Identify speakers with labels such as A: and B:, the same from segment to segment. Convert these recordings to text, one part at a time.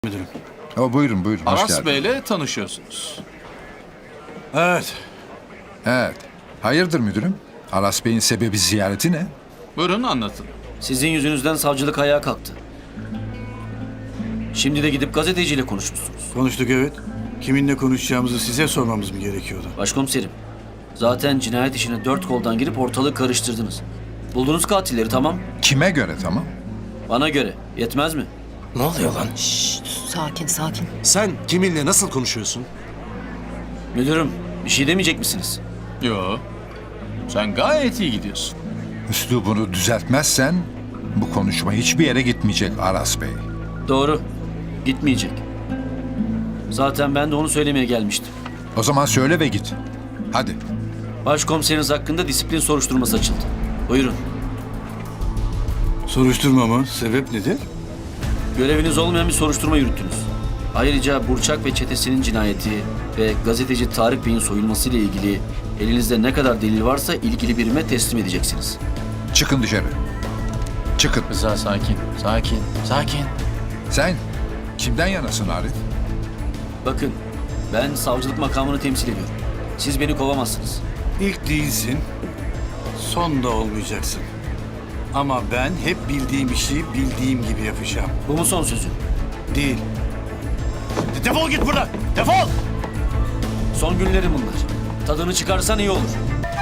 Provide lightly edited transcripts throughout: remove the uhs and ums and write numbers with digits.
A: Müdürüm.
B: Buyurun buyurun, hoş
C: Aras
B: geldin.
C: Bey'le tanışıyorsunuz.
A: Evet.
B: Evet. Hayırdır müdürüm? Aras Bey'in sebebi ziyareti ne?
C: Buyurun anlatın.
D: Sizin yüzünüzden savcılık ayağa kalktı. Şimdi de gidip gazeteciyle konuşmuşsunuz.
A: Konuştuk evet. Kiminle konuşacağımızı size sormamız mı gerekiyordu?
D: Başkomiserim, zaten cinayet işine 4 koldan girip ortalığı karıştırdınız. Buldunuz katilleri, tamam.
B: Kime göre tamam?
D: Bana göre yetmez mi?
E: Ne oluyor lan?
F: Sakin sakin.
E: Sen kiminle nasıl konuşuyorsun?
D: Müdürüm, bir şey demeyecek misiniz?
C: Yo. Sen gayet iyi gidiyorsun.
B: Üslubunu düzeltmezsen bu konuşma hiçbir yere gitmeyecek Aras Bey.
D: Doğru, gitmeyecek. Zaten ben de onu söylemeye gelmiştim.
B: O zaman söyle ve git. Hadi.
D: Başkomiseriniz hakkında disiplin soruşturması açıldı. Buyurun.
A: Soruşturma mı? Sebep nedir?
D: Göreviniz olmayan bir soruşturma yürüttünüz. Ayrıca Burçak ve çetesinin cinayeti ve gazeteci Tarık Bey'in soyulması ile ilgili elinizde ne kadar delil varsa ilgili birime teslim edeceksiniz.
B: Çıkın dışarı. Çıkın.
C: Rıza sakin. Sakin. Sakin.
B: Sen kimden yanasın Arif?
D: Bakın, ben savcılık makamını temsil ediyorum. Siz beni kovamazsınız.
A: İlk değilsin. Son da olmayacaksın. Ama ben hep bildiğim işi bildiğim gibi yapacağım.
D: Bu mu son sözün?
A: Değil. Defol git buradan! Defol!
D: Son günlerim bunlar. Tadını çıkarsan iyi olur.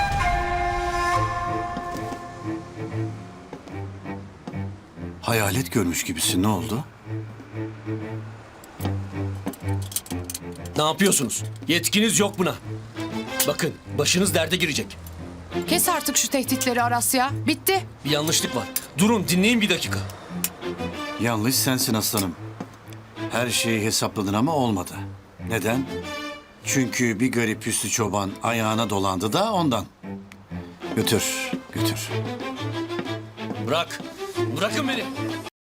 A: Hayalet görmüş gibisin. Ne oldu?
E: Ne yapıyorsunuz? Yetkiniz yok buna. Bakın başınız derde girecek.
F: Kes artık şu tehditleri Aras ya. Bitti.
E: Bir yanlışlık var. Durun dinleyin bir dakika.
A: Yanlış sensin aslanım. Her şeyi hesapladın ama olmadı. Neden? Çünkü bir garip Hüsnü Çoban ayağına dolandı da ondan. Götür, götür.
E: Bırak. Bırakın beni.